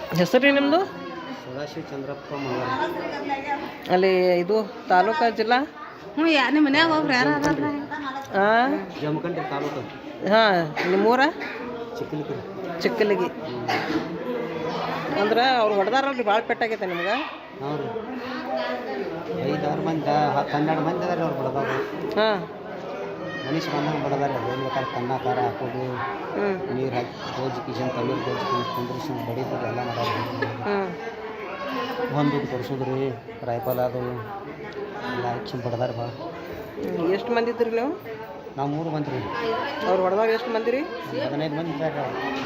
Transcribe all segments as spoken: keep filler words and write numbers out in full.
ಹೆಸರು ರೀ ನಿಮ್ಮದು? ಸದಾಶಿವ ಚಂದ್ರಪ್ಪ ಮಗ. ಅಲ್ಲಿ ಇದು ತಾಲೂಕು ಜಿಲ್ಲಾ? ಹ್ಞೂ ಯಾ ನಿಮ್ಮ ಮನ್ಯಾಗ ಒಬ್ರು ಯಾರು ಅದಾರ? ಹಾಂ, ಜಮಖಂಡಿ ತಾಲೂಕು. ಹಾಂ. ನಿಮ್ಮೂರ? ಚಿಕ್ಕಲಿಗೆ. ಚಿಕ್ಕಲಿಗಿ. ಅಂದ್ರೆ ಅವ್ರು ಹೊಡೆದಾರಲ್ರಿ, ಭಾಳ ಪೆಟ್ಟಾಗೈತೆ ನಿಮ್ಗೆ? ಹಾಂ ರೀ, ಐದಾರು ಮಂದಿ ಹತ್ತು ಹನ್ನೆರಡು ಮಂದಿ ಅದಾರ ಅವ್ರು ಬಡದವ್ರು. ಹಾಂ, ಮನುಷ್ಯ ಬಂದಂಗೆ ಬಡದಾರ. ಏನು ಬೇಕಾದ್ರೆ ಕನ್ನ ಖಾರ ಹಾಕೋದು, ನೀರು ಹಾಕಿ ಗೋಜಿ ಕಿಶನ್ ತಣ್ಣೀರು ಗೋಜಿ ಕುಂದ್ರಿಸಿ ಬಡಿದ್ರು ಎಲ್ಲ ಮಾಡೋದು. ಒಂದು ದುಡ್ಡು ಕೊಡ್ಸೋದು ರೀ, ರೈಫಲ್ ಅದು ಎಲ್ಲ ಹಾಕಿ ಬಡದಾರ ಭಾಳ. ಎಷ್ಟು ಮಂದಿ ಇದ್ರಿ ನೀವು? ನಾವು ಮೂರು ಮಂದಿ ರೀ. ಅವ್ರು ಹೊಡೆದಾಗ ಎಷ್ಟು ಮಂದಿ ರೀ? ಹದಿನೈದು ಮಂದಿ ಇದ್ದಾರೆ.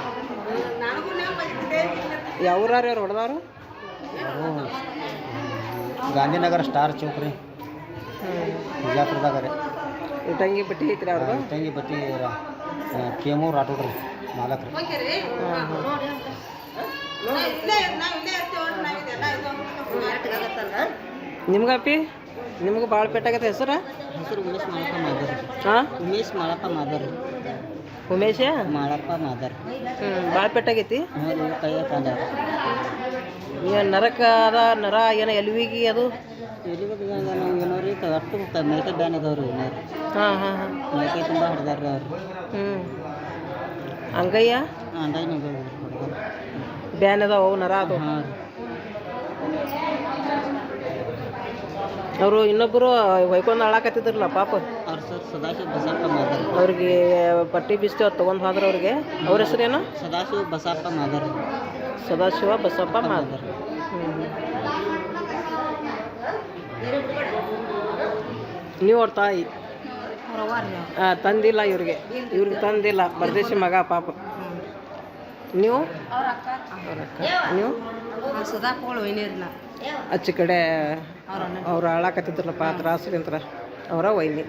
ಯಾವ ಊರಾರಿ ಅವ್ರು ಹೊಡೆದವ್ರು? ಅವರು ಗಾಂಧಿನಗರ ಸ್ಟಾರ್ ಚೌಕ್ ರೀ, ಬಿಜಾಪುರದಾಗ ರೀ. ಇಟಂಗಿ ಬಟ್ಟಿ ಐತ್ರಿ ಅವ್ರದ್ದು? ಇಟಂಗಿ ಬಟ್ಟಿ ಕೇಮೂರು ಆಟೋಡ್ರಿ ಮಾಲಕ್ರಿ. ನಿಮ್ಗಪ್ಪಿ ನಿಮ್ಗೆ ಭಾಳ ಪೆಟ್ಟಾಗತ್ತೆ. ಹೆಸರು? ಹೆಸರು ಉಮೇಶ್ ಮಾಳಪ್ಪ ಮಾದರ್. ಹಾಂ, ಉಮೇಶ್ ಮಾಳಪ್ಪ ಮಾದರ್. ಉಮೇಶ ಮಾಳಪ್ಪ ಮಾದರ್. ಹ್ಞೂ, ಭಾಳ ಪೆಟ್ಟಾಗೈತಿ. ಹ್ಞೂ, ಕೈಯ ಕಾಲ ಏನು ನರಕ ಅದ, ನರ ಏನೋ ಎಲ್ವಿಗಿ ಅದು ಎಲ್ಲಿಗೆ ನಾವು ಏನೋ ರೀ ಅಷ್ಟು ಮೈಕೈ ಬ್ಯಾನ್ ಅದಾವ್ರಿ. ಏನಾರು ಹಾಂ ಹಾಂ ಹಾಂ ಮೈಕೈ ತುಂಬ ಹಿಡ್ದಾರ್ರಿ ಅವ್ರು. ಹ್ಞೂ, ಅಂಗಯ್ಯ ಅಂಗೈ ಬ್ಯಾನ್ ಅದಾವ, ಅವು ನರ ಅದು. ಹಾಂ ರೀ. ಅವರು ಇನ್ನೊಬ್ಬರು ಹೊಯ್ಕೊಂಡು ಹಾಳಾಕತ್ತಿದ್ರಲ್ಲ ಪಾಪ, ಅವ್ರ ಸರ್ ಸದಾಶಿವ ಬಸಪ್ಪ ಮಾದರ್. ಅವ್ರಿಗೆ ಪಟ್ಟಿ ಬಿಸ್ತಿ ಅವ್ರು ತೊಗೊಂಡು ಹೋದ್ರೆ ಅವ್ರಿಗೆ. ಅವ್ರ ಹೆಸರೇನು? ಸದಾಶಿವ ಬಸಪ್ಪ ಮಾದರ್. ಸದಾಶಿವ ಬಸಪ್ಪ ಮಾದರ್. ಹ್ಞೂ, ನೀವು ಅವ್ರ ತಾಯಿ? ಹಾಂ, ತಂದಿಲ್ಲ ಇವ್ರಿಗೆ, ಇವ್ರಿಗೆ ತಂದಿಲ್ಲ. ಪರದೇಶಿ ಮಗ ಪಾಪ. ನೀವು? ಅವ್ರ ಅಕ್ಕ. ನೀವು? ಸುಧಾಕೋಳು ಒಯ್ನೀರ್ನ ಆಚೆ ಕಡೆ ಅವ್ರು ಹಾಳಾಕತ್ತಿದ್ರಲ್ಲಪ್ಪ ತ್ರಾಸಲಿಂತ್ರ, ಅವರ ವೈನಿ.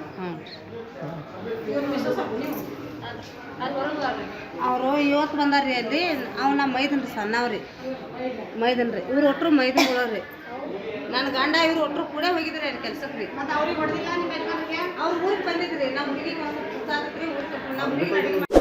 ಅವರು ಇವತ್ತು ಬಂದಾರ ರೀ ಅಲ್ಲಿ. ಅವ್ ನಮ್ಮ ಮೈದನ್ ರೀ, ಸಣ್ಣವ್ರಿ ಮೈದನ್ ರೀ. ಇವ್ರು ಒಟ್ಟರು ಮೈದನ್ ಬಿಡೋರಿ. ನನ್ನ ಗಂಡ ಇವ್ರು ಒಟ್ಟರು ಕೂಡ ಹೋಗಿದ್ರಿ ಅಲ್ಲಿ ಕೆಲ್ಸಕ್ಕೆ ರೀ. ಅವ್ರು ಊರಿಗೆ ಬಂದಿದ್ರಿ. ನಮ್ಮ ಹುಡುಗಿಗೆ ಊರಿಗೆ